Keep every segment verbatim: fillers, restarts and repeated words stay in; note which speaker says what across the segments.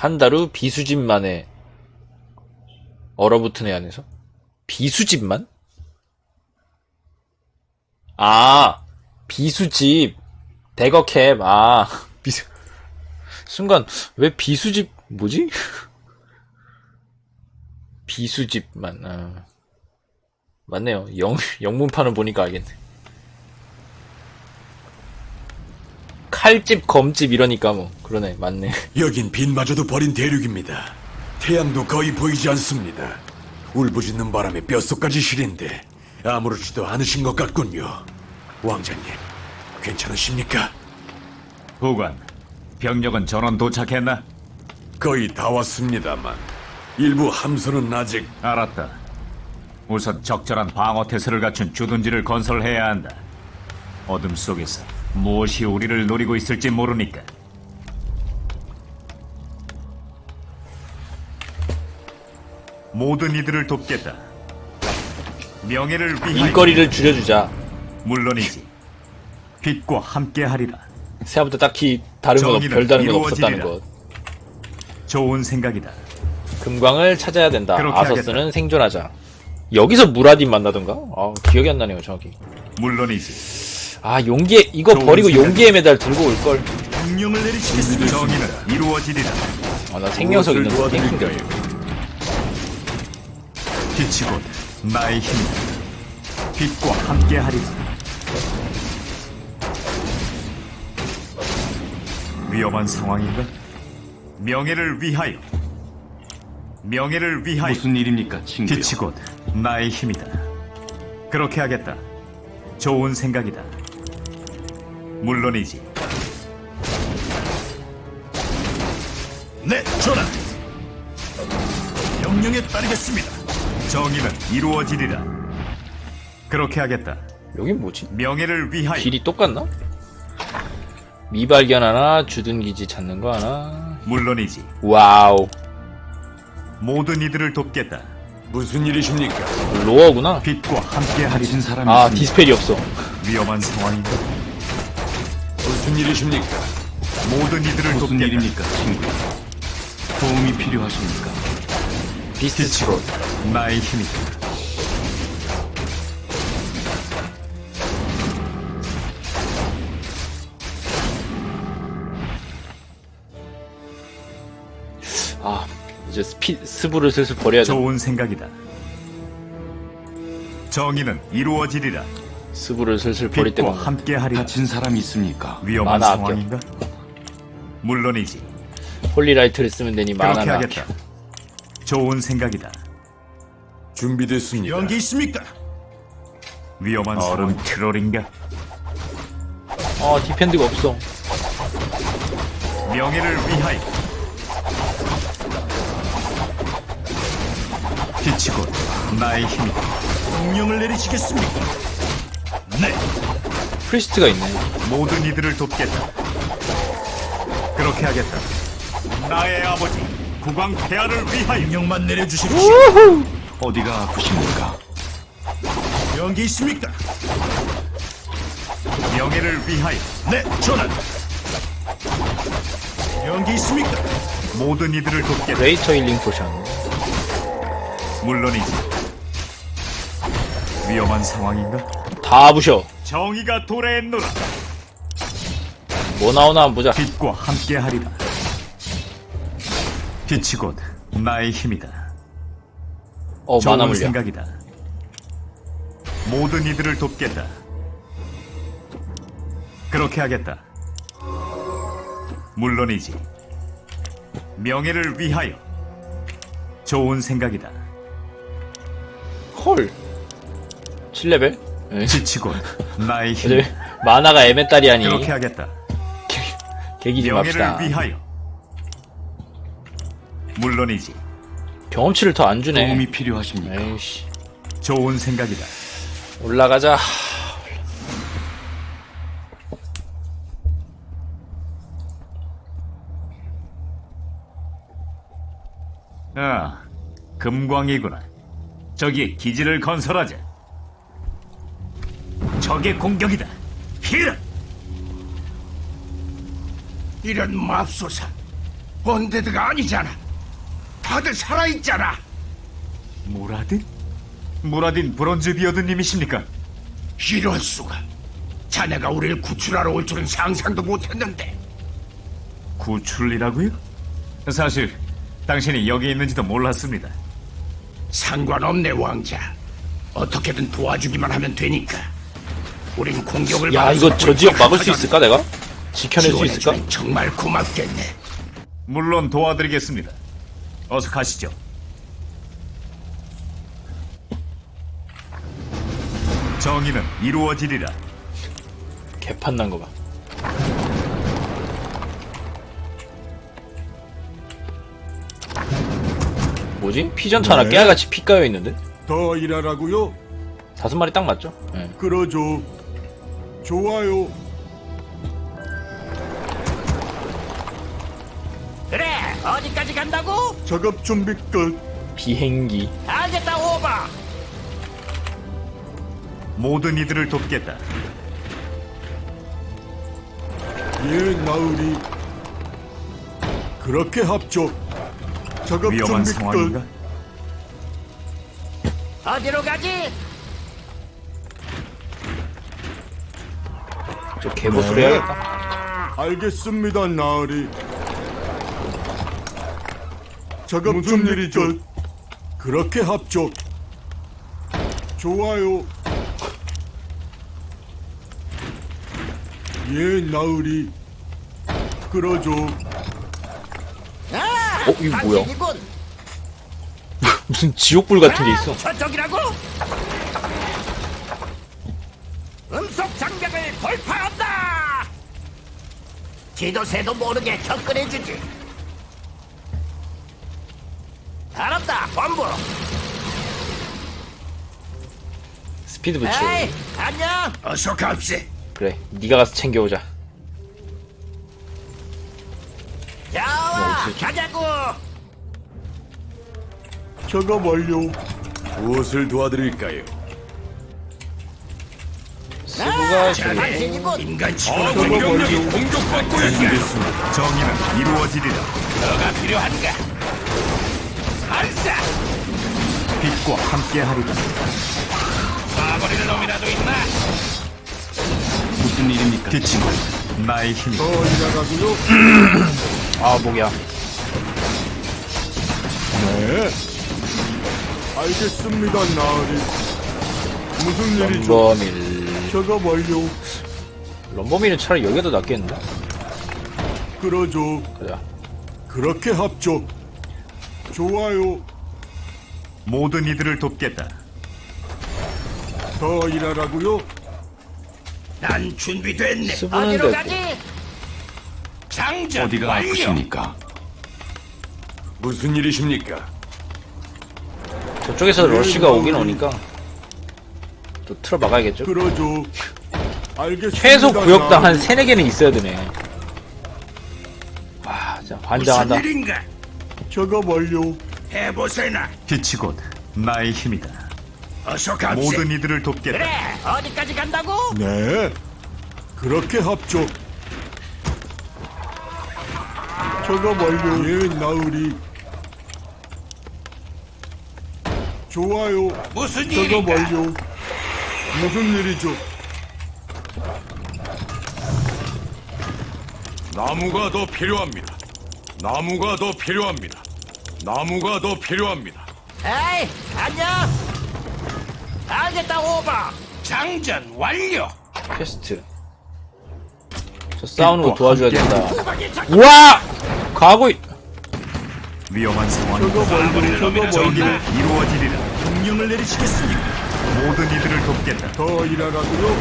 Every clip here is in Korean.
Speaker 1: 한 달 후 비수집만에 얼어붙은 애 안에서? 비수집만? 아, 비수집. 대거캡. 아, 비수. 순간, 왜 비수집, 뭐지? 비수집만, 아. 맞네요. 영, 영문판을 보니까 알겠네. 칼집, 검집 이러니까 뭐. 그러네, 맞네.
Speaker 2: 여긴 빛마저도 버린 대륙입니다. 태양도 거의 보이지 않습니다. 울부짖는 바람에 뼛속까지 시린데 아무렇지도 않으신 것 같군요. 왕자님, 괜찮으십니까?
Speaker 3: 보관, 병력은 전원 도착했나?
Speaker 2: 거의 다 왔습니다만 일부 함선은 아직...
Speaker 3: 알았다. 우선 적절한 방어 태세를 갖춘 주둔지를 건설해야 한다. 어둠 속에서 무엇이 우리를 노리고 있을지 모르니까. 모든 이들을 돕겠다. 명예를 위하여.
Speaker 1: 일거리를 줄여주자.
Speaker 3: 물론이지. 빛과 함께하리라.
Speaker 1: 생각보다 딱히 다른 건, 없-
Speaker 3: 정의는
Speaker 1: 별다른 건 없었다는
Speaker 3: 이루어지리라.
Speaker 1: 것.
Speaker 3: 좋은 생각이다.
Speaker 1: 금광을 찾아야 된다.
Speaker 3: 그렇게
Speaker 1: 아서스는
Speaker 3: 하겠다.
Speaker 1: 생존하자. 여기서 무라딘 만나던가? 아, 기억이 안 나네요, 정확히.
Speaker 3: 물론이지.
Speaker 1: 아, 용기에, 이거
Speaker 3: 좋은
Speaker 1: 버리고
Speaker 3: 생각이다.
Speaker 1: 용기의 메달 들고 올걸.
Speaker 2: 명령을 내리시겠습니다.
Speaker 3: 정의는 이루어지리라.
Speaker 1: 아, 나 생명석 있는 거 땡긴다.
Speaker 3: 빛이 곧 나의 힘이다. 빛과 함께하리라. 위험한 상황인가? 명예를 위하여. 명예를 위하여.
Speaker 4: 무슨 일입니까, 친구요?
Speaker 3: 빛이 곧 나의 힘이다. 그렇게 하겠다. 좋은 생각이다. 물론이지.
Speaker 2: 네, 전하. 명령에 따르겠습니다.
Speaker 3: 정의는 이루어지리라. 그렇게 하겠다.
Speaker 1: 여긴 뭐지?
Speaker 3: 명예를 위하여.
Speaker 1: 길이 똑같나? 미발견 하나, 주둔기지 찾는 거 하나.
Speaker 3: 물론이지.
Speaker 1: 와우.
Speaker 3: 모든 이들을 돕겠다.
Speaker 2: 무슨 일이십니까?
Speaker 1: 로어구나?
Speaker 3: 빛과 함께하리라.
Speaker 4: 가진 사람이
Speaker 1: 아,
Speaker 4: 있습니까?
Speaker 1: 디스펠이 없어.
Speaker 3: 위험한 상황인가?
Speaker 2: 무슨 일이십니까?
Speaker 3: 모든 이들을
Speaker 4: 무슨
Speaker 3: 돕겠다.
Speaker 4: 일입니까, 친구요? 도움이 필요하십니까?
Speaker 1: 비스트
Speaker 3: 빛이 곧 나의 힘이다.
Speaker 1: 아, 이제 스피, 스부를 슬슬 버려야 돼.
Speaker 3: 좋은 생각이다. 정의는 이루어지리라.
Speaker 1: 스부를 슬슬 버릴 때가
Speaker 3: 빛과
Speaker 1: 없네.
Speaker 3: 함께하리라.
Speaker 4: 다친 사람이 있습니까?
Speaker 3: 위험한
Speaker 1: 만화 아껴.
Speaker 3: 상황인가? 물론이지.
Speaker 1: 홀리라이트를 쓰면 되니
Speaker 3: 그렇게
Speaker 1: 만화나
Speaker 3: 하겠다.
Speaker 1: 아껴.
Speaker 3: 좋은 생각이다.
Speaker 2: 준비됐습니다. 연기 있습니까?
Speaker 3: 위험한 얼음 트롤인가?
Speaker 1: 어, 디펜드가 없어.
Speaker 3: 명예를 위하여. 빛이 곧 나의 힘이다.
Speaker 2: 명령을 내리시겠습니까? 네.
Speaker 1: 프리스트가 있네.
Speaker 3: 모든 이들을 돕겠다. 그렇게 하겠다. 나의 아버지 국왕 폐하를 위하여.
Speaker 2: 명령만 내려주십시오.
Speaker 4: 어디가 아프십니까?
Speaker 2: 연기 있습니까?
Speaker 3: 명예를 위하여.
Speaker 2: 네, 전하. 연기 있습니까?
Speaker 3: 모든 이들을 돕겠다.
Speaker 1: 레이터 힐링 포션.
Speaker 3: 물론이지. 위험한 상황인가?
Speaker 1: 다 부셔.
Speaker 3: 정의가 도래했노라.
Speaker 1: 뭐 나오나 한번 보자.
Speaker 3: 빛과 함께하리라. 빛이 곧 나의 힘이다.
Speaker 1: 어, 만화
Speaker 3: 좋은
Speaker 1: 물려.
Speaker 3: 생각이다. 모든 이들을 돕겠다. 그렇게 하겠다. 물론이지. 명예를 위하여. 좋은 생각이다.
Speaker 1: 헐. 칠 레벨? 에?
Speaker 3: 빛이 곧 나의
Speaker 1: 어차피
Speaker 3: 힘.
Speaker 1: 만화가 에메딸이 아니.
Speaker 3: 그렇게 하겠다.
Speaker 1: 계기 좀
Speaker 3: 명예를
Speaker 1: 합시다.
Speaker 3: 위하여. 물론이지.
Speaker 1: 경험치를 더 안 주네.
Speaker 4: 도움이 필요하십니까?
Speaker 1: 에이씨.
Speaker 3: 좋은 생각이다.
Speaker 1: 올라가자.
Speaker 3: 아, 금광이구나. 저기 기지를 건설하자. 적의 공격이다. 히라!
Speaker 2: 이런 맙소사. 언데드가 아니잖아. 다들 살아있잖아.
Speaker 3: 무라딘? 무라딘 브론즈 비어드님이십니까?
Speaker 2: 이럴 수가. 자네가 우리를 구출하러 올 줄은 상상도 못했는데.
Speaker 3: 구출이라고요? 사실 당신이 여기 있는지도 몰랐습니다.
Speaker 2: 상관없네, 왕자. 어떻게든 도와주기만 하면 되니까. 우린 공격을
Speaker 1: 야,
Speaker 2: 받을
Speaker 1: 이거
Speaker 2: 수
Speaker 1: 저 지역
Speaker 2: 없고
Speaker 1: 막을 수 있을까, 내가? 지켜낼 수 있을까?
Speaker 2: 지원해주면 정말 고맙겠네.
Speaker 3: 물론 도와드리겠습니다. 어서 가시죠. 정의는 이루어지리라.
Speaker 1: 개판 난 거 봐. 뭐지? 피전차 하나 깨알같이 피 까여 있는데?
Speaker 2: 더 일하라고요?
Speaker 1: 다섯 마리 딱 맞죠? 예.
Speaker 2: 그러죠. 좋아요.
Speaker 5: 그래, 어디까지 간다고?
Speaker 2: 작업 준비 끝.
Speaker 1: 비행기.
Speaker 5: 알겠다, 오버.
Speaker 3: 모든 이들을 돕겠다.
Speaker 2: 예, 나으리. 그렇게 합죠. 작업
Speaker 3: 위험한
Speaker 2: 준비
Speaker 3: 상황인가?
Speaker 2: 끝.
Speaker 5: 어디로 가지?
Speaker 1: 저 개보수로 해야겠다.
Speaker 2: 알겠습니다, 나으리. 작업 무슨 일이죠? 그렇게 합죠. 좋아요. 예, 나으리. 그러죠.
Speaker 5: 아,
Speaker 1: 어, 이거 뭐야?
Speaker 5: 당신이군.
Speaker 1: 무슨 지옥불 같은 게 있어.
Speaker 5: 아, 저쪽이라고? 음속 장벽을 돌파한다. 지도새도 모르게 접근해주지. 알았다, 본부.
Speaker 1: 스피드 붙이고.
Speaker 5: 에이, 안녕.
Speaker 2: 어서 갑세.
Speaker 1: 그래, 네가 가서 챙겨오자.
Speaker 5: 좋아,
Speaker 1: 어디지?
Speaker 5: 가자고.
Speaker 2: 작업 완료. 무엇을 도와드릴까요?
Speaker 1: 스부가 저기
Speaker 5: 당신이군.
Speaker 2: 인간 치고는 공격력이 공격받고 있습니다.
Speaker 3: 정의는 이루어지리라.
Speaker 2: 너가 필요한가? 발사!
Speaker 3: 빛과 함께하리라.
Speaker 2: 쏴버릴 놈이라도 있나?
Speaker 4: 무슨 일입니까?
Speaker 3: 빛이 나의 힘이.
Speaker 2: 더 일하라고요?
Speaker 1: 아 목이야.
Speaker 2: 네. 알겠습니다, 나으리. 무슨 일이죠?
Speaker 1: 럼버밀.
Speaker 2: 작업 완료.
Speaker 1: 럼버밀은 차라리 여기가 더 낫겠는데?
Speaker 2: 그러죠.
Speaker 1: 가자.
Speaker 2: 그렇게 합죠. 좋아요.
Speaker 3: 모든 이들을 돕겠다.
Speaker 2: 더 일하라고요? 난 준비됐네.
Speaker 1: 스부는
Speaker 5: 어디로
Speaker 1: 됐고.
Speaker 5: 가지?
Speaker 2: 장전
Speaker 4: 어디가
Speaker 2: 완료.
Speaker 4: 아프십니까?
Speaker 2: 무슨 일이십니까?
Speaker 1: 저쪽에서 러쉬가 오긴 오니까 또 틀어 막아야겠죠?
Speaker 2: 그러죠. 알겠습니다.
Speaker 1: 최소 구역당 한
Speaker 2: 나으리.
Speaker 1: 세네 개는 있어야 되네. 와, 진짜 환장한다.
Speaker 2: 무슨 일인가? 작업 완료. 해보세나.
Speaker 3: 빛이 곧 나의 힘이다.
Speaker 2: 어서 갑세.
Speaker 3: 모든 이들을 돕겠다.
Speaker 5: 그래, 어디까지 간다고?
Speaker 2: 네. 그렇게 합죠. 작업 완료. 예, 나으리. 좋아요. 무슨 작업 완료. 무슨 일이죠?
Speaker 6: 나무가 더 필요합니다. 나무가 더 필요합니다. 나무가 더 필요합니다.
Speaker 5: 에이, 안녕. 알겠다, 오버.
Speaker 2: 장전 완료.
Speaker 1: 퀘스트. 저 싸우는 거 도와줘야 된다.
Speaker 5: 후방이 적-
Speaker 1: 우와! 가고 있...
Speaker 3: 위험한 상황이
Speaker 2: 작업 완료. 작업 완료.
Speaker 3: 정의는 이루어지리라.
Speaker 2: 명령을 내리시겠습니까?
Speaker 3: 모든 이들을 돕겠다.
Speaker 2: 더 일하라고요?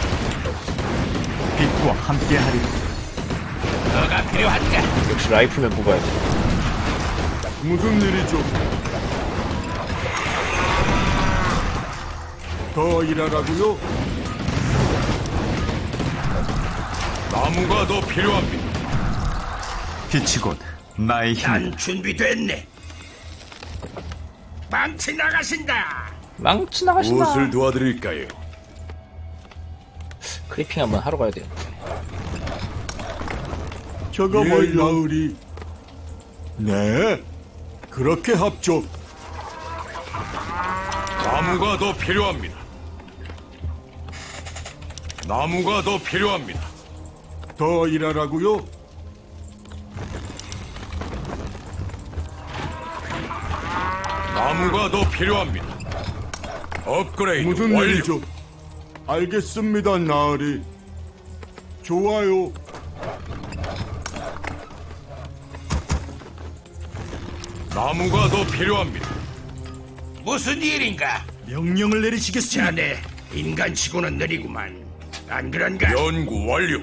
Speaker 3: 빛과 함께하리라.
Speaker 2: 너가 필요한가?
Speaker 1: 역시 라이플맨 뽑아야 돼.
Speaker 2: 무슨 일이죠? 더 일하라고요?
Speaker 6: 나무가 더 필요합니다.
Speaker 3: 빛이 곧 나의 힘이다.
Speaker 2: 난 준비됐네. 망치 나가신다.
Speaker 1: 망치 나가신다.
Speaker 2: 도와드릴까요?
Speaker 1: 크리핑 한번 하러 가야 돼요.
Speaker 2: 저거 뭘 나으리.
Speaker 7: 네, 그렇게 합죠.
Speaker 6: 나무가 더 필요합니다. 나무가 더 필요합니다.
Speaker 7: 더 일하라고요?
Speaker 6: 나무가 더 필요합니다. 업그레이드
Speaker 7: 무슨
Speaker 6: 완료.
Speaker 7: 일이죠? 알겠습니다, 나으리. 좋아요.
Speaker 6: 나무가 더 필요합니다.
Speaker 2: 무슨 일인가?
Speaker 7: 명령을 내리시겠습니다.
Speaker 2: 자네 인간치고는 느리구만. 안 그런가?
Speaker 6: 연구 완료.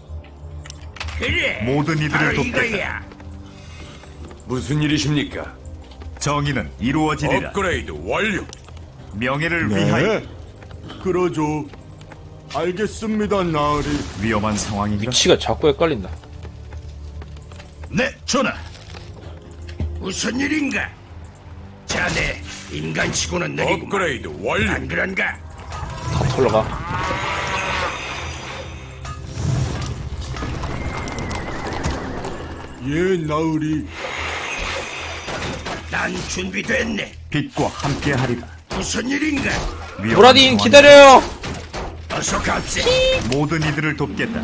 Speaker 2: 그래.
Speaker 3: 모든 이들을
Speaker 2: 바로
Speaker 3: 돕겠다.
Speaker 2: 이거야.
Speaker 6: 무슨 일이십니까?
Speaker 3: 정의는 이루어지리라.
Speaker 6: 업그레이드 완료.
Speaker 3: 명예를 위하여.
Speaker 7: 네, 그러죠. 알겠습니다, 나으리.
Speaker 3: 위험한 상황인가?
Speaker 1: 위치가 자꾸 헷갈린다.
Speaker 7: 네, 전하.
Speaker 2: 무슨 일인가? 자네 인간치고는 느리구만.
Speaker 6: 업그레이드 완료.
Speaker 2: 안 그런가?
Speaker 1: 다 털러가.
Speaker 7: 예, 나으리.
Speaker 2: 난 준비됐네.
Speaker 3: 빛과 함께하리라.
Speaker 2: 무슨 일인가?
Speaker 3: 위험한
Speaker 1: 브라딘
Speaker 3: 상황인가?
Speaker 1: 기다려요.
Speaker 2: 어서 갑세.
Speaker 3: 모든 이들을 돕겠다.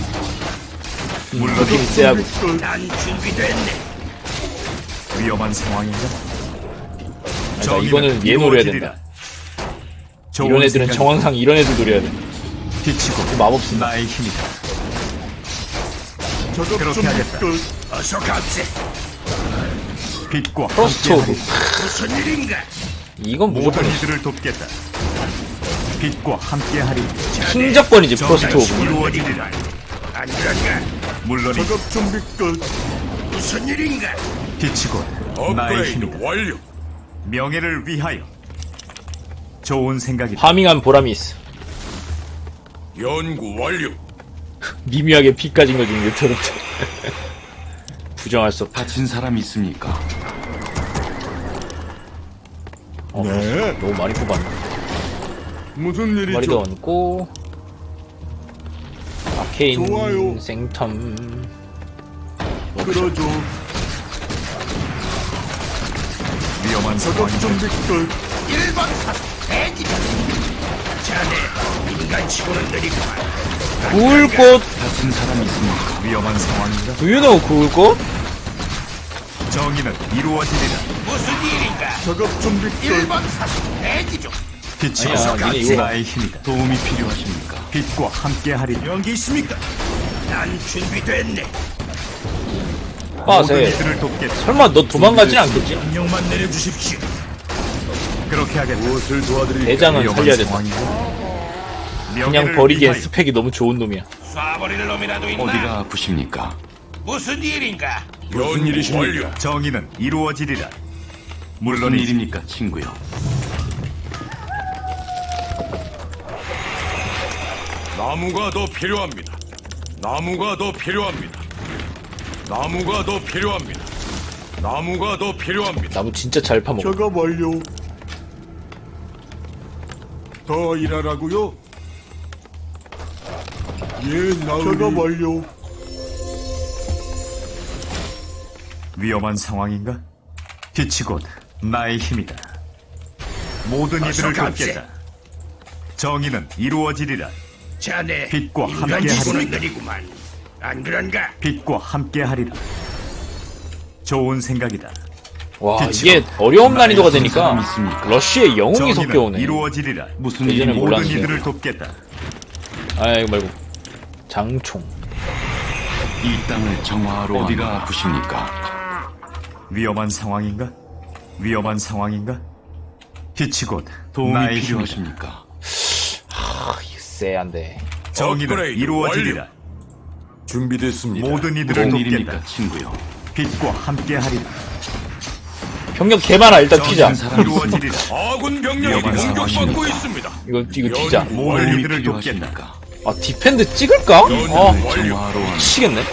Speaker 1: 물론 쎄하고.
Speaker 2: 난 준비됐네.
Speaker 3: 위험한 상황인가?
Speaker 1: 그러니까 이거는 얘 노려야 된다. 이런 애들은 정황상 이런 애들 노려야 돼.
Speaker 3: 빛이고
Speaker 1: 마법 쓴다.
Speaker 3: 나의 힘이다.
Speaker 7: 작업
Speaker 3: 그렇게
Speaker 7: 준비
Speaker 3: 하겠다.
Speaker 7: 끝.
Speaker 2: 어서 갑세.
Speaker 3: 빛과
Speaker 1: 프로스트 오브.
Speaker 3: 함께하리라.
Speaker 2: 무슨 일인가?
Speaker 1: 이건 무조건
Speaker 3: 모든 이들을 돕겠다. 빛과 함께하리라.
Speaker 1: 킹작권이지 프로스트 오브.
Speaker 3: 이루어지리라.
Speaker 2: 안 그런가?
Speaker 3: 물론이
Speaker 7: 작업 준비 끝.
Speaker 2: 무슨 일인가?
Speaker 3: 빛이고 나의
Speaker 6: 업그레이드
Speaker 3: 힘이다.
Speaker 6: 완료.
Speaker 3: 명예를 위하여. 좋은 생각이다.
Speaker 1: 파밍한 보람이 있어.
Speaker 6: 연구 완료.
Speaker 1: 미묘하게 피 까진 거 중에 유토르트. 부정할 수 없다.
Speaker 4: 다친 사람 있습니까?
Speaker 1: 어,
Speaker 7: 네.
Speaker 1: 너무 많이 뽑았네.
Speaker 7: 무슨
Speaker 1: 머리도
Speaker 7: 일이죠?
Speaker 1: 얹고 아케인
Speaker 7: 좋아요.
Speaker 1: 생텀.
Speaker 7: 그러죠.
Speaker 3: 위험한
Speaker 7: 작업
Speaker 3: 상황이다.
Speaker 7: 준비 끝.
Speaker 2: 일 번 사 대기. 자네 인간치고는 느리구만.
Speaker 1: 구울꽃.
Speaker 4: 다친 사람 있습니까?
Speaker 3: 위험한 상황인가?
Speaker 1: Do you know 구울꽃?
Speaker 3: 정의는 이루어지리라.
Speaker 2: 무슨 일인가?
Speaker 7: 작업 준비
Speaker 2: 일
Speaker 7: 끝.
Speaker 2: 번 사 대기 중.
Speaker 3: 빛이고
Speaker 1: 아니야, 니네 이거
Speaker 3: 나의 힘이다.
Speaker 4: 도움이 필요하십니까?
Speaker 3: 빛과 함께하리라.
Speaker 7: 연기 있습니까?
Speaker 2: 난 준비됐네.
Speaker 3: 모든
Speaker 1: 빠세.
Speaker 3: 이들을 돕겠다.
Speaker 1: 설마 너 도망가진 않겠지?
Speaker 7: 명령만 내려주십시오.
Speaker 3: 그렇게 하겠다.
Speaker 7: 무엇을 도와드릴까요?
Speaker 1: 대장은
Speaker 3: 위험한
Speaker 1: 살려야 된다.
Speaker 3: 상황인가?
Speaker 1: 그냥
Speaker 3: 명예를
Speaker 1: 버리기엔
Speaker 3: 위하여.
Speaker 1: 스펙이 너무 좋은 놈이야.
Speaker 2: 쏴버릴 놈이라도 있나?
Speaker 4: 어디가 아프십니까?
Speaker 2: 무슨 일인가?
Speaker 6: 무슨 일이십니까?
Speaker 3: 정의는 이루어지리라.
Speaker 4: 무슨
Speaker 3: 물론 이
Speaker 4: 일입니까, 친구요?
Speaker 6: 나무가 더 필요합니다. 나무가 더 필요합니다. 나무가 더 필요합니다. 나무가 더 필요합니다.
Speaker 1: 나무 진짜 잘 파먹어.
Speaker 7: 작업 완료. 더 일하라고요? 예, 나으리. 작업 완료.
Speaker 3: 위험한 상황인가? 빛이 곧 나의 힘이다. 모든
Speaker 2: 어서
Speaker 3: 이들을
Speaker 2: 갑세.
Speaker 3: 돕겠다. 정의는 이루어지리라.
Speaker 2: 자네
Speaker 3: 빛과
Speaker 2: 인간치고는
Speaker 3: 함께하리라.
Speaker 2: 느리구만. 안 그런가?
Speaker 3: 빛과 함께하리라. 좋은 생각이다.
Speaker 1: 와
Speaker 3: 빛이고
Speaker 1: 이게 어려움 난이도가
Speaker 4: 나의
Speaker 1: 되니까
Speaker 4: 사람 있습니까?
Speaker 1: 러쉬에 영웅이 섞여
Speaker 3: 정의는
Speaker 1: 오네.
Speaker 3: 이루어지리라.
Speaker 4: 무슨
Speaker 1: 예전에
Speaker 4: 일입니까?
Speaker 3: 모든
Speaker 1: 몰랐는데.
Speaker 3: 이들을 돕겠다.
Speaker 1: 아 이거 말고 장총.
Speaker 4: 이 땅을 정화하러 어디가 아프십니까?
Speaker 3: 위험한 상황인가? 위험한 상황인가? 빛이 곧
Speaker 4: 도움이
Speaker 3: 나의 힘이다.
Speaker 4: 필요하십니까?
Speaker 1: 아 이거 쎄한데.
Speaker 3: 정의는
Speaker 6: 업그레이드
Speaker 3: 이루어지리라.
Speaker 6: 준비됐습니다.
Speaker 3: 모든 이들을
Speaker 4: 무슨
Speaker 3: 돕겠다.
Speaker 4: 일입니까, 친구요?
Speaker 3: 빛과 함께하리라.
Speaker 1: 병력 개 많아. 일단 튀자.
Speaker 3: 정의는 사람 이루어지리라.
Speaker 6: 아군 병력이
Speaker 3: 위험한
Speaker 6: 공격받고
Speaker 4: 상황입니다.
Speaker 6: 있습니다.
Speaker 1: 이거 이거 튀자.
Speaker 6: 연구
Speaker 3: 모든
Speaker 6: 완료.
Speaker 3: 이들을 돕겠다.
Speaker 4: 필요하십니까?
Speaker 1: 아 디펜드 찍을까? 아
Speaker 6: 완료.
Speaker 4: 정화하러 온
Speaker 1: 미치겠네.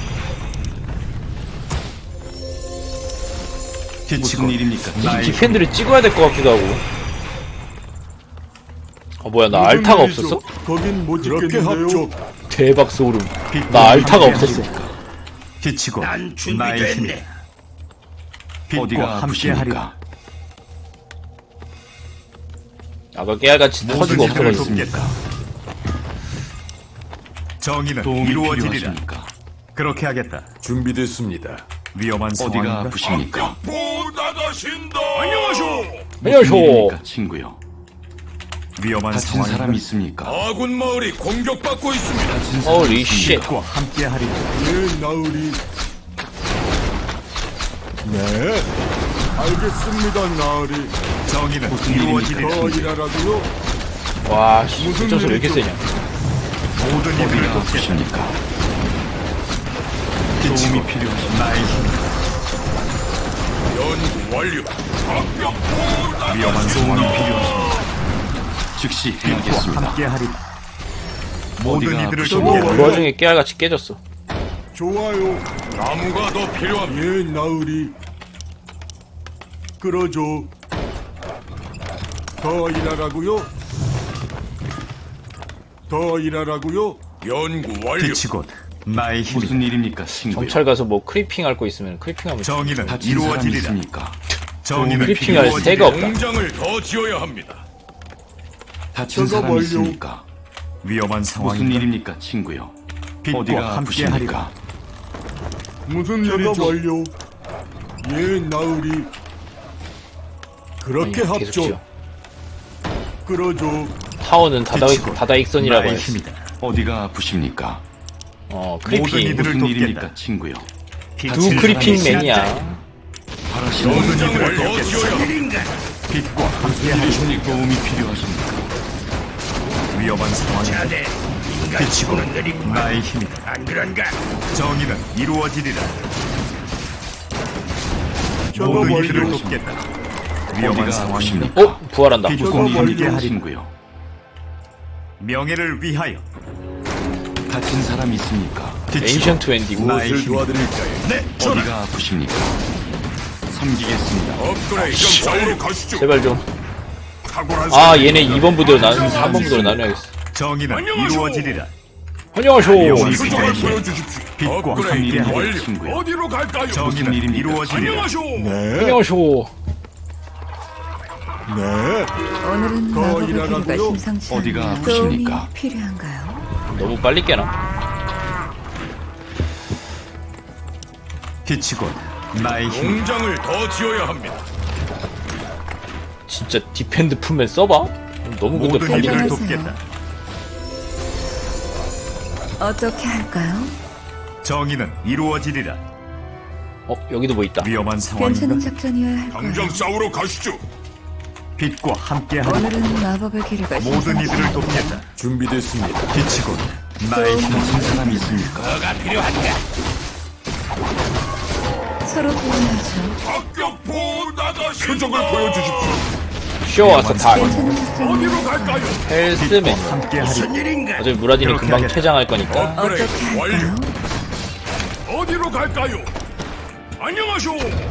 Speaker 3: 빛이
Speaker 4: 무슨
Speaker 3: 곧
Speaker 4: 일입니까?
Speaker 3: 나의
Speaker 1: 디펜드를 찍어야 될 것 같기도 하고. 아 뭐야 나 알타가 없었어?
Speaker 7: 거긴 못 찍겠는데요.
Speaker 1: 대박 소름.
Speaker 3: 빛과
Speaker 1: 나 알타가
Speaker 3: 함께하리라.
Speaker 1: 없었어.
Speaker 3: 빛이 곧
Speaker 2: 난
Speaker 3: 나의
Speaker 2: 준비됐네.
Speaker 3: 힘이다. 빛과
Speaker 4: 어디가
Speaker 3: 함께하리라.
Speaker 4: 아프십니까?
Speaker 1: 아까 깨알같이 터지고
Speaker 3: 모든 이들을
Speaker 1: 없어가지고.
Speaker 3: 돕겠다. 정의는
Speaker 4: 도움이
Speaker 3: 이루어지리라.
Speaker 4: 필요하십니까?
Speaker 3: 그렇게 하겠다.
Speaker 7: 준비됐습니다.
Speaker 3: 위험한
Speaker 4: 어디가
Speaker 3: 상황인가?
Speaker 4: 아프십니까?
Speaker 6: 보 나가신다. 안녕하쇼.
Speaker 1: 안녕하쇼.
Speaker 4: 일입니까, 친구요?
Speaker 3: 위험한
Speaker 4: 다친
Speaker 3: 상황인가?
Speaker 4: 사람 있습니까?
Speaker 6: 아군 마을이 공격받고 있습니다.
Speaker 4: 다친 사람
Speaker 1: Holy
Speaker 4: 있습니까?
Speaker 3: 빛과 함께하리라.
Speaker 7: 예, 나으리. 네. 알겠습니다, 나으리.
Speaker 3: 정의는
Speaker 4: 무슨
Speaker 3: 이루어지리라.
Speaker 7: 더 일하라고요?
Speaker 1: 와, 씨,
Speaker 7: 무슨
Speaker 1: 진짜서 왜 이렇게
Speaker 7: 일이죠?
Speaker 1: 세냐?
Speaker 3: 모든 이들을
Speaker 4: 어디가
Speaker 3: 돕겠다.
Speaker 4: 아프십니까?
Speaker 3: 빛이고
Speaker 4: 도움이 필요하십니까?
Speaker 3: 나의 힘.
Speaker 6: 연구 완료. 악력 보
Speaker 3: 위험한 상황이 필요하십니다.
Speaker 4: 즉시
Speaker 3: 빛과
Speaker 4: 해야겠습니다.
Speaker 3: 함께하리라. 모든
Speaker 4: 어디가
Speaker 3: 이들을
Speaker 7: 아프십니까?
Speaker 3: 돕겠다.
Speaker 1: 그 와중에 깨알같이 깨졌어.
Speaker 7: 좋아요.
Speaker 6: 나무가 더 필요합니다.
Speaker 7: 예, 나으리. 끌어줘. 더 일하라고요? 더 일하라고요?
Speaker 6: 연구 완료.
Speaker 3: 빛이 곧 나의 힘이.
Speaker 4: 무슨 일입니까, 친구요?
Speaker 1: 경찰 가서 뭐 크리핑 할 거 있으면 크리핑하면
Speaker 3: 정의는
Speaker 4: 다친 사람
Speaker 3: 이루어지리라.
Speaker 4: 있습니까?
Speaker 3: 정의는
Speaker 1: 크리핑할
Speaker 3: 이루어지리라.
Speaker 1: 새가 없다.
Speaker 6: 공장을 더 지어야 합니다.
Speaker 4: 다친
Speaker 7: 저거
Speaker 4: 사람
Speaker 7: 멀려.
Speaker 4: 있습니까?
Speaker 3: 위험한
Speaker 4: 무슨
Speaker 3: 상황인가?
Speaker 4: 일입니까, 친구요?
Speaker 3: 빛과
Speaker 4: 어디가
Speaker 3: 함께하리라.
Speaker 4: 아프십니까?
Speaker 7: 무슨 일이죠? 완료. 예, 나으리. 그렇게
Speaker 1: 아니, 계속
Speaker 7: 합죠.
Speaker 1: 지어.
Speaker 7: 끌어줘.
Speaker 1: 타워는 다다익,
Speaker 3: 빛이고
Speaker 1: 다다익선이라고
Speaker 3: 나의
Speaker 1: 했어.
Speaker 3: 힘이다.
Speaker 4: 어디가 아프십니까?
Speaker 1: 어,
Speaker 3: 모든
Speaker 1: 크리핑.
Speaker 3: 이들을
Speaker 4: 무슨
Speaker 3: 돕겠다.
Speaker 4: 일입니까, 친구요?
Speaker 1: 두
Speaker 4: 다친
Speaker 1: 크리핑
Speaker 4: 사람이
Speaker 1: 맨이야.
Speaker 4: 바라시는
Speaker 6: 공장을
Speaker 3: 이들을
Speaker 6: 더
Speaker 3: 돕겠다.
Speaker 6: 지어야 합니다.
Speaker 3: 빛과 함께하리라.
Speaker 4: 도움이 필요하십니까?
Speaker 3: 위험한 상황인가? 빛이고 나의 힘이다.
Speaker 6: 안 그런가?
Speaker 3: 정의는 이루어지리라.
Speaker 7: 저거
Speaker 3: 모든
Speaker 7: 멀려.
Speaker 3: 이들을 돕겠다. 위험한
Speaker 4: 어디가
Speaker 3: 상황인가?
Speaker 4: 아프십니까?
Speaker 1: 어? 부활한다.
Speaker 3: 빛과
Speaker 7: 저거
Speaker 4: 무슨 일입니까,
Speaker 3: 함께하리라.
Speaker 4: 친구요?
Speaker 3: 명예를 위하여.
Speaker 4: 다친 사람 있습니까?
Speaker 1: 엔션트 웬디고.
Speaker 3: 나의
Speaker 7: 무엇을
Speaker 3: 힘이다.
Speaker 7: 도와드릴까요?
Speaker 6: 네, 전하.
Speaker 4: 어디가 아프십니까? 섬기겠습니다.
Speaker 6: 업그레이드 싸우러 가시죠.
Speaker 1: 제발 좀.
Speaker 6: 탁월한
Speaker 1: 아,
Speaker 6: 사람이
Speaker 1: 얘네 이 번 부대로 나누 삼 번 부대로 나눠야겠어.
Speaker 3: 정의는
Speaker 6: 안녕하쇼.
Speaker 3: 이루어지리라.
Speaker 1: 안녕하쇼.
Speaker 3: 위험한
Speaker 6: 표정을
Speaker 3: 상황인가?
Speaker 6: 보여주십시오.
Speaker 3: 빛과
Speaker 6: 업그레이드
Speaker 3: 함께하리라.
Speaker 6: 완료.
Speaker 4: 친구요.
Speaker 6: 어디로 갈까요?
Speaker 3: 정의는
Speaker 4: 일입니까?
Speaker 3: 이루어지리라.
Speaker 6: 안녕하쇼.
Speaker 7: 네.
Speaker 1: 안녕하쇼.
Speaker 7: 네.
Speaker 8: 오늘은
Speaker 7: 더
Speaker 8: 마법의
Speaker 7: 일하라고요?
Speaker 8: 기류가 심상치
Speaker 4: 어디가
Speaker 8: 않네요.
Speaker 4: 아프십니까?
Speaker 8: 도움이 필요한가요?
Speaker 1: 너무 빨리 깨나?
Speaker 3: 빛이 곧 나의 힘.
Speaker 6: 공장을 더 지어야 합니다.
Speaker 1: 진짜 디펜드 품에 써봐? 너무 근데
Speaker 3: 모든
Speaker 1: 빨리
Speaker 3: 이들을
Speaker 8: 안녕하세요.
Speaker 3: 돕겠다.
Speaker 8: 어떻게 할까요?
Speaker 3: 정의는 이루어지리라.
Speaker 1: 어, 여기도 뭐 있다.
Speaker 3: 위험한
Speaker 8: 괜찮은
Speaker 3: 상황인가?
Speaker 8: 작전이어야 할 거예요.
Speaker 6: 당장 싸우러 가시죠.
Speaker 3: 빛과 함께하리라.
Speaker 8: 오늘은 마법의 기류가
Speaker 3: 모든
Speaker 8: 심상치
Speaker 3: 이들을
Speaker 8: 않네요.
Speaker 3: 돕겠다.
Speaker 7: 준비됐습니다.
Speaker 3: 빛이 곧 나의 힘.
Speaker 4: 다친 사람 있습니까?
Speaker 6: 뭐가 필요한가?
Speaker 8: 서로 도와야죠.
Speaker 6: 합격포 나가시. 표정을 보여주십시오.
Speaker 1: 쇼 와서 다.
Speaker 8: 괜찮은 작전이어야
Speaker 6: 어디로
Speaker 8: 할 거예요.
Speaker 6: 갈까요?
Speaker 1: 헬스맨.
Speaker 3: 함께하리라.
Speaker 6: 일인가?
Speaker 1: 어차피 무라디는
Speaker 3: 그렇게
Speaker 1: 금방
Speaker 3: 하겠다.
Speaker 1: 퇴장할 거니까.
Speaker 8: 어떻게
Speaker 6: 업그레이드 완료.
Speaker 8: 할까요?
Speaker 6: 어디로 갈까요? 안녕하쇼.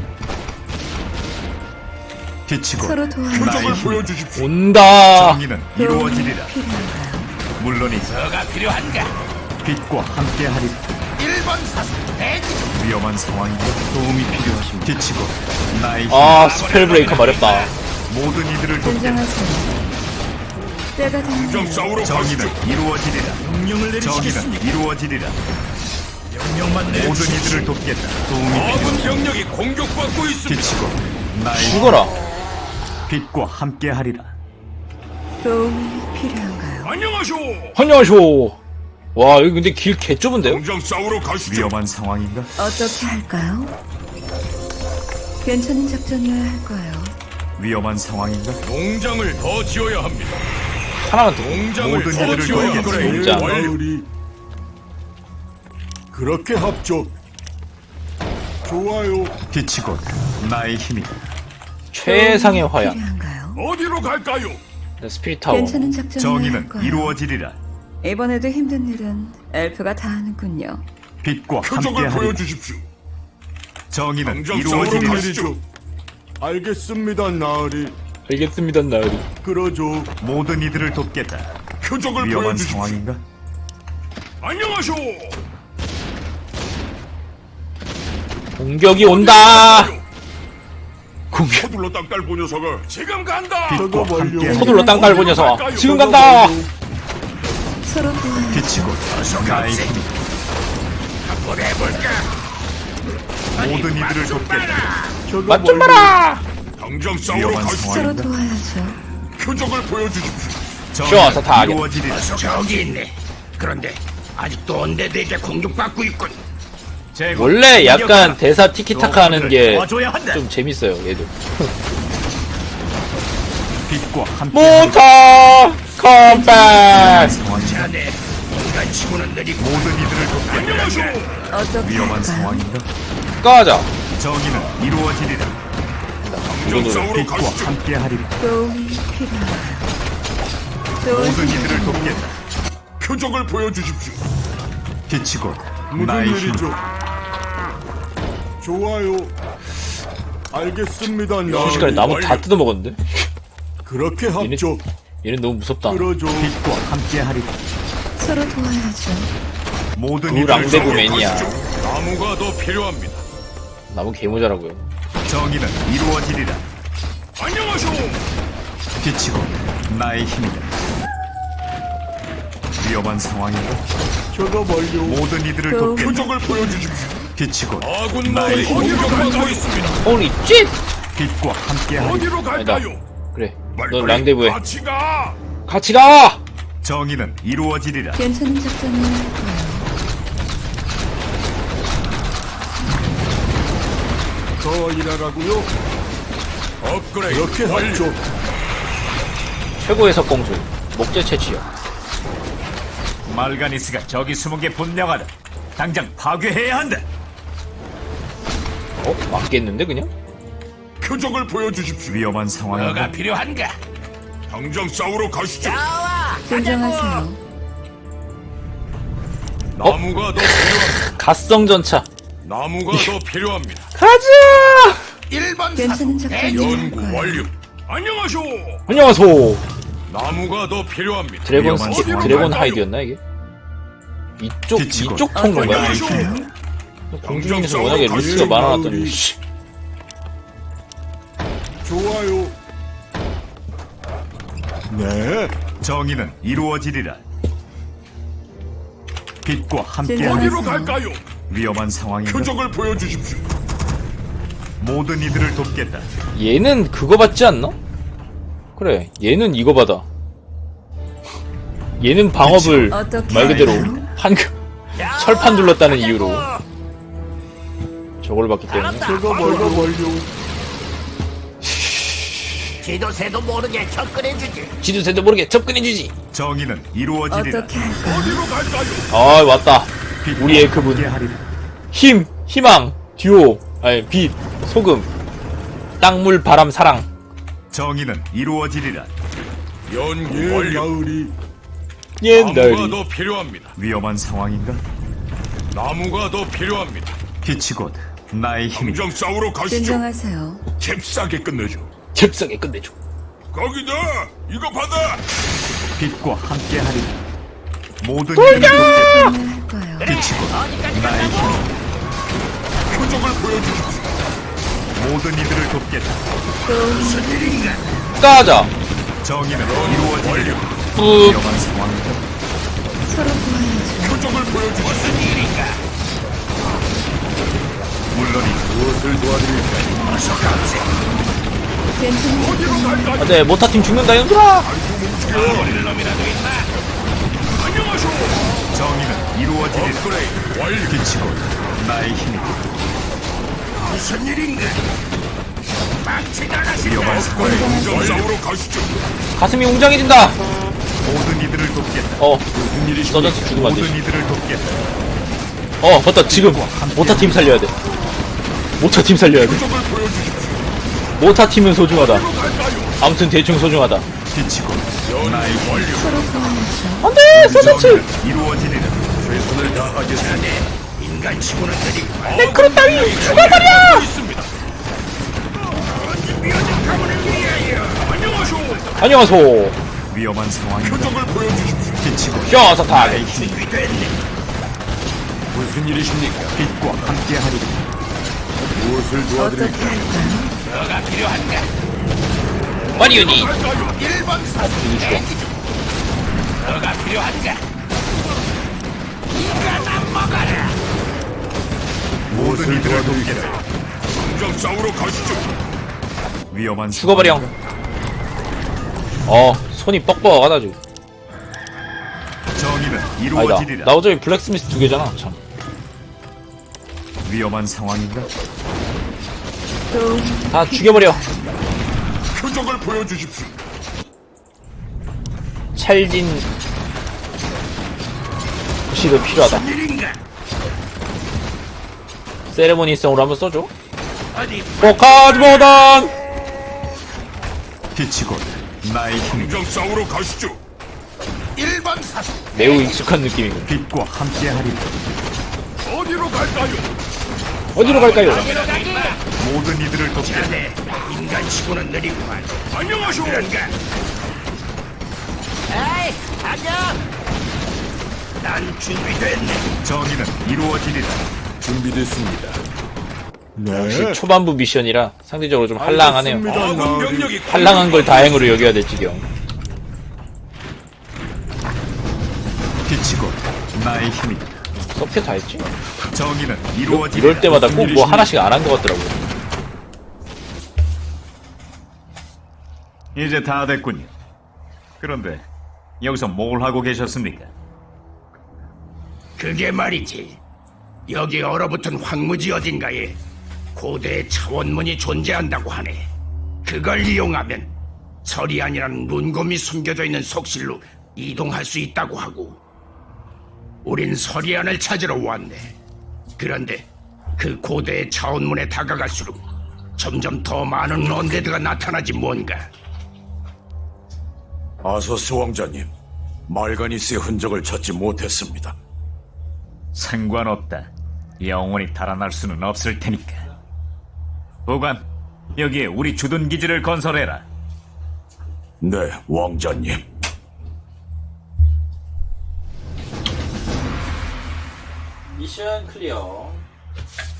Speaker 3: 빛이 곧
Speaker 8: 서로 도와야죠.
Speaker 3: 나의
Speaker 6: 표정을
Speaker 3: 힘.
Speaker 6: 보여주십시오.
Speaker 1: 온다.
Speaker 3: 정의는
Speaker 8: 도움이
Speaker 3: 이루어지리라.
Speaker 8: 필요한가요?
Speaker 3: 물론이지.
Speaker 6: 뭐가 필요한가?
Speaker 3: 빛과 함께하리라.
Speaker 6: 일 번 사수 대기.
Speaker 3: 위험한 상황이다.
Speaker 4: 도움이 필요하십니까?
Speaker 3: 빛이 곧 나의 힘.
Speaker 1: 아, 스펠 브레이커 마렵다.
Speaker 3: 모든 이들을 돕겠다.
Speaker 8: 진정하세요. 때가
Speaker 6: 당장
Speaker 8: 됐네요.
Speaker 6: 싸우러 가시죠.
Speaker 3: 정의는 이루어지리라.
Speaker 6: 명령을
Speaker 3: 정의는 이루어지리라.
Speaker 6: 명령만 내.
Speaker 3: 모든 이들을 돕겠다.
Speaker 6: 아군 병력이 공격받고 있습니다.
Speaker 3: 빛이 곧 나의 힘.
Speaker 1: 죽어라.
Speaker 3: 빛과 함께하리라.
Speaker 8: 도움이 필요한가요?
Speaker 6: 안녕하쇼.
Speaker 1: 안녕하쇼. 와, 여기 근데 길 개 좁은데요?
Speaker 6: 당장 싸우러 가시죠.
Speaker 3: 위험한 상황인가?
Speaker 8: 어떻게 할까요? 괜찮은 작전이어야 할 거예요.
Speaker 3: 위험한 상황인가?
Speaker 6: 농장을 더 지어야 합니다.
Speaker 1: 하나만 더.
Speaker 6: 농장을
Speaker 3: 모든
Speaker 6: 더
Speaker 3: 이들을
Speaker 6: 지어야
Speaker 3: 돕겠다.
Speaker 6: 합니다.
Speaker 7: 예,
Speaker 1: 진짜.
Speaker 6: 완료.
Speaker 7: 나으리. 그렇게 합죠. 좋아요.
Speaker 3: 빛이 곧 나의 힘이다.
Speaker 1: 최상의
Speaker 8: 도움이
Speaker 1: 화약.
Speaker 8: 필요한가요?
Speaker 6: 어디로 갈까요?
Speaker 1: 스피릿 타워.
Speaker 8: 괜찮은 작전이어야 할
Speaker 3: 정의는
Speaker 8: 거예요.
Speaker 3: 이루어지리라.
Speaker 8: 이번에도 힘든 일은 엘프가 다 하는군요.
Speaker 3: 빛과
Speaker 6: 표정을
Speaker 3: 함께하리라.
Speaker 6: 보여주십시오.
Speaker 3: 정의는
Speaker 6: 당장 싸우러
Speaker 3: 이루어지리라.
Speaker 6: 가시죠.
Speaker 7: 알겠습니다, 나으리.
Speaker 1: 알겠습니다, 나으리.
Speaker 7: 끌어줘.
Speaker 3: 모든 이들을 돕겠다.
Speaker 6: 표정을
Speaker 3: 위험한
Speaker 6: 보여주십시오.
Speaker 3: 상황인가?
Speaker 6: 안녕하쇼.
Speaker 1: 공격이 온다. 공격.
Speaker 6: 서둘러 땅딸보 녀석아, 지금 간다.
Speaker 7: 저거
Speaker 4: 빛과 함께
Speaker 7: 완료.
Speaker 1: 서둘러 땅 깔고 녀석. 지금 간다.
Speaker 8: 서로 도와야죠.
Speaker 3: 빛이 곧 나의 힘이
Speaker 2: 한번 해볼까?
Speaker 3: 모든 이들을 돕겠다.
Speaker 7: 저거
Speaker 1: 맛 좀
Speaker 7: 완료.
Speaker 1: 봐라.
Speaker 6: 당장 싸우러
Speaker 3: 위험한
Speaker 6: 가시죠.
Speaker 8: 서로
Speaker 3: 상황인가?
Speaker 8: 도와야죠.
Speaker 6: 표적을 보여주십시오.
Speaker 1: 쉬어서 다 하겠다.
Speaker 3: 이루어지리라.
Speaker 2: 저기 있네. 그런데 아직도 언데드에게 공격받고 있군.
Speaker 3: 제거.
Speaker 1: 원래 약간
Speaker 3: 공격하라.
Speaker 1: 대사 티키타카 하는 게 좀
Speaker 3: 도와줘야 한다.
Speaker 1: 재밌어요, 얘도.
Speaker 3: 빛과 함께
Speaker 1: 모터 컴백.
Speaker 3: 상황이
Speaker 2: 자네 인간 치고는 느리고
Speaker 3: 모든 이들을 돕겠다.
Speaker 2: 안녕하쇼.
Speaker 8: 어떻게
Speaker 3: 위험한
Speaker 8: 할까요?
Speaker 3: 상황인가?
Speaker 1: 가자.
Speaker 3: 정의는 이루어지리라.
Speaker 6: 당장 싸우러
Speaker 3: 빛과
Speaker 6: 가시죠.
Speaker 3: 함께하리라.
Speaker 8: 도움이 필요한가요?
Speaker 3: 모든 이들을 돕겠다.
Speaker 6: 표적을 보여주십시오.
Speaker 3: 빛이 곧
Speaker 7: 무슨
Speaker 3: 나의 힘.
Speaker 7: 일이죠? 좋아요. 알겠습니다,
Speaker 1: 순식간에
Speaker 7: 나으리.
Speaker 1: 나무 다 뜯어먹었는데?
Speaker 7: 그렇게 합죠.
Speaker 1: 얘는 너무 무섭다.
Speaker 7: 그러죠.
Speaker 3: 빛과 함께하리라.
Speaker 8: 서로 도와야죠.
Speaker 3: 모든
Speaker 1: 그
Speaker 3: 이들을
Speaker 1: 랑데브
Speaker 3: 돕겠다.
Speaker 1: 매니아.
Speaker 6: 나무가 더 필요합니다.
Speaker 1: 나무 개모자라고요.
Speaker 3: 정의는 이루어지리라.
Speaker 6: 안녕하쇼.
Speaker 3: 빛이 곧 나의 힘이다. 위험한 상황인가?
Speaker 7: 저거 완료.
Speaker 3: 모든 이들을
Speaker 8: 그-
Speaker 3: 돕겠다.
Speaker 6: 표적을 보여주십시오.
Speaker 3: 빛이 곧
Speaker 6: 아군
Speaker 3: 나의
Speaker 6: 마을이
Speaker 3: 힘.
Speaker 6: 공격받고 있습니다.
Speaker 1: 홀리 쨉!
Speaker 3: 빛과 함께하리라.
Speaker 6: 어디로
Speaker 1: 아니다.
Speaker 6: 갈까요?
Speaker 1: 그래.
Speaker 6: 빨리
Speaker 1: 너
Speaker 6: 빨리
Speaker 1: 랑데브해.
Speaker 6: 같이 가.
Speaker 1: 같이 가!
Speaker 3: 정의는 이루어지리라.
Speaker 8: 괜찮은 작전을 할 거예요.
Speaker 7: 더 일하라고요?
Speaker 6: 업그레이드
Speaker 7: 그렇게
Speaker 6: 완료.
Speaker 7: 합죠.
Speaker 1: 최고의 석공술. 목재 채취요.
Speaker 3: 말가니스가 저기 숨은 게 분명하다. 당장 파괴해야 한다.
Speaker 1: 어? 맞겠는데, 그냥?
Speaker 6: 표적을 보여주십시오.
Speaker 3: 위험한 상황인가?
Speaker 2: 뭐가 필요한가?
Speaker 6: 당장 싸우러 가시죠.
Speaker 5: 나와.
Speaker 8: 진정하세요.
Speaker 6: 나무가 더 필요합니다.
Speaker 1: 갓성전차.
Speaker 6: 나무가 더 필요합니다.
Speaker 1: 가자!
Speaker 2: 일 번
Speaker 8: 괜찮은 작전을 할
Speaker 6: 연구
Speaker 8: 거예요.
Speaker 6: 완료. 안녕하쇼.
Speaker 1: 안녕하소.
Speaker 6: 나무가 더 필요합니다.
Speaker 1: 드래곤,
Speaker 3: 위험한
Speaker 1: 스키,
Speaker 3: 상황.
Speaker 1: 드래곤 하이드였나, 이게? 이쪽,
Speaker 3: 빛이 곧
Speaker 1: 이쪽 통로인가요?
Speaker 8: 어떻게 할까요?
Speaker 1: 공중에서 워낙에 루스가 많아놨더니, 씨.
Speaker 7: 좋아요. 네.
Speaker 3: 정의는 이루어지리라. 빛과 함께하리라.
Speaker 8: 진정하세요.
Speaker 6: 어디로 갈까요?
Speaker 3: 위험한 상황인가?
Speaker 6: 표적을 보여주십시오.
Speaker 3: 모든 이들을 돕겠다.
Speaker 1: 얘는 그거 받지 않나? 그래, 얘는 이거 받아. 얘는 방업을
Speaker 8: 어떻게
Speaker 1: 말 그대로
Speaker 8: 할까요?
Speaker 1: 한 철판 둘렀다는 이유로 저걸 받기 때문에.
Speaker 7: 저거 완료 완료.
Speaker 5: 지도새도 모르게 접근해주지.
Speaker 1: 지도새도 모르게 접근해주지.
Speaker 3: 정의는 이루어지리라.
Speaker 8: 어떻게 할까요?
Speaker 6: 어디로 갈까요?
Speaker 1: 아, 왔다.
Speaker 3: 빛과
Speaker 1: 우리의 그분.
Speaker 3: 함께하리라.
Speaker 1: 힘, 희망, 듀오, 아니, 빛, 소금, 땅, 물, 바람, 사랑.
Speaker 3: 정의는 이루어지리라.
Speaker 6: 연구
Speaker 7: 예,
Speaker 6: 완료.
Speaker 7: 나으리.
Speaker 6: 나무가
Speaker 1: 옛날이.
Speaker 6: 더 필요합니다.
Speaker 3: 위험한 상황인가?
Speaker 6: 나무가 더 필요합니다.
Speaker 3: 빛이 곧 나의 힘이다.
Speaker 6: 당장 싸우러 가시죠.
Speaker 8: 진정하세요.
Speaker 6: 잽싸게 끝내죠.
Speaker 1: 잽싸게 끝내줘.
Speaker 6: 거기다 이거 받아.
Speaker 3: 빛과 함께하리라. 모든 이들을 돕겠다.
Speaker 8: 작전을 할 거예요.
Speaker 3: 빛이 곧
Speaker 5: 어디까지
Speaker 3: 나의
Speaker 5: 간다고?
Speaker 3: 힘.
Speaker 6: 표적을 보여주십시오.
Speaker 3: 모든 이들을 돕겠다.
Speaker 1: 가자.
Speaker 3: 정의는 이루어지리라.
Speaker 1: 뿌.
Speaker 3: 위험한 상황인가?
Speaker 8: 서로 도와야죠.
Speaker 6: 표적을 보여주십시오.
Speaker 3: 물론이
Speaker 6: 무엇을 도와드릴까요? 어서 가세.
Speaker 8: 괜찮은
Speaker 6: 어디로
Speaker 8: 작전을
Speaker 6: 갈까요?
Speaker 1: 아, 네, 모타팀 죽는다, 연들아.
Speaker 6: 버릴 놈이라도 있나? 안녕하쇼.
Speaker 3: 정의는 이루어지리라.
Speaker 6: 업그레이드 완료.
Speaker 3: 빛이 곧 나의 힘이다.
Speaker 2: 무슨 일인가? 망치가 나시
Speaker 3: 위험한 상황.
Speaker 6: 당장 싸우러 가시죠.
Speaker 1: 가슴이 웅장해진다.
Speaker 3: 모든 이들을 돕겠다.
Speaker 1: 어, 서전스 죽으면 안
Speaker 3: 모든
Speaker 1: 되지.
Speaker 3: 이들을 돕겠다.
Speaker 1: 어, 맞다, 지금. 모타팀 살려야 돼. 모타팀 살려야 돼.
Speaker 6: 표적을 보여주십시오.
Speaker 1: 모타팀은 소중하다.
Speaker 6: 어디로 갈까요?
Speaker 1: 아무튼 대충 소중하다.
Speaker 3: 빛이 곧 나의 힘이다.
Speaker 6: 완료.
Speaker 8: 서로 도와야죠.
Speaker 1: 안 돼! 서전스!
Speaker 3: 정의는 이루어지리라.
Speaker 6: 최선을 다하겠습니다.
Speaker 2: 인간 치고는 느리고
Speaker 1: 네, 그런 따위 죽어버려!
Speaker 6: 있습니다.
Speaker 2: 미어진 가문을 위하여.
Speaker 6: 안녕하쇼.
Speaker 1: 안녕하소.
Speaker 3: 위험한 상황인가?
Speaker 6: 표적을 보여주십시오.
Speaker 3: 빛이 곧
Speaker 1: 셔서 타.
Speaker 3: 나의 힘.
Speaker 2: 준비됐네.
Speaker 6: 무슨 일이십니까?
Speaker 3: 빛과 함께하리라.
Speaker 6: 무엇을
Speaker 8: 어떻게 할까요?
Speaker 2: 너가 필요한가?
Speaker 1: 마리오니.
Speaker 2: 일 번 사수
Speaker 1: 이거 죽어.
Speaker 2: 너가 필요한가? 이거나 먹어라.
Speaker 3: 모든 이들을 돕겠다.
Speaker 6: 당장 싸우러 가시죠.
Speaker 3: 위험한
Speaker 1: 죽어버려. 어, 손이 뻑뻑하다 지금.
Speaker 3: 정의는
Speaker 1: 아니다.
Speaker 3: 이루어지리라.
Speaker 1: 나 어차피 블랙스미스 두 개잖아. 참.
Speaker 3: 위험한 상황인가?
Speaker 1: 다 죽여버려.
Speaker 6: 표적을 보여주십시오.
Speaker 1: 찰진 시도 필요하다.
Speaker 2: 일인가?
Speaker 1: 세레모니성으로 한번 써줘.
Speaker 2: 어디
Speaker 1: 포카즈 모던.
Speaker 3: 빛이 곧 나의 힘이
Speaker 6: 당장 싸우러 가시죠.
Speaker 2: 일 번 사수
Speaker 1: 매우 익숙한 느낌이고.
Speaker 3: 빛과 함께하리라.
Speaker 6: 어디로 갈까요?
Speaker 1: 어디로 갈까요?
Speaker 3: 모든 이들을 돕겠다.
Speaker 2: 자네 인간치고는 느리구만.
Speaker 6: 안녕하쇼.
Speaker 2: 그런가?
Speaker 5: 에이, 안녕.
Speaker 2: 난 준비됐네.
Speaker 3: 정의는 이루어지리라.
Speaker 7: 준비됐습니다.
Speaker 1: 역시
Speaker 7: 네.
Speaker 1: 초반부 미션이라 상대적으로 좀 한랑하네요.
Speaker 7: 알겠습니다,
Speaker 6: 아군
Speaker 7: 나으리.
Speaker 6: 병력이
Speaker 1: 한랑한 걸 다행으로 여겨야 될 지경.
Speaker 3: 빛이 곧 나의 힘이다.
Speaker 1: 서피어 다 했지?
Speaker 3: 정의는 이루어지리라.
Speaker 1: 이럴 때마다 꼭 뭐 하나씩 안 한 것 같더라고요.
Speaker 3: 이제 다 됐군요. 그런데 여기서 뭘 하고 계셨습니까?
Speaker 2: 그게 말이지. 여기 얼어붙은 황무지 어딘가에 고대의 차원문이 존재한다고 하네. 그걸 이용하면 서리안이라는 문곰이 숨겨져 있는 속실로 이동할 수 있다고 하고. 우린 서리안을 찾으러 왔네. 그런데 그 고대의 차원문에 다가갈수록 점점 더 많은 언데드가 나타나지 뭔가.
Speaker 6: 아서스 왕자님, 말가니스의 흔적을 찾지 못했습니다.
Speaker 3: 상관없다. 영원히 달아날 수는 없을 테니까. 보관, 여기에 우리 주둔 기지를 건설해라.
Speaker 6: 네, 왕자님.
Speaker 1: 미션 클리어.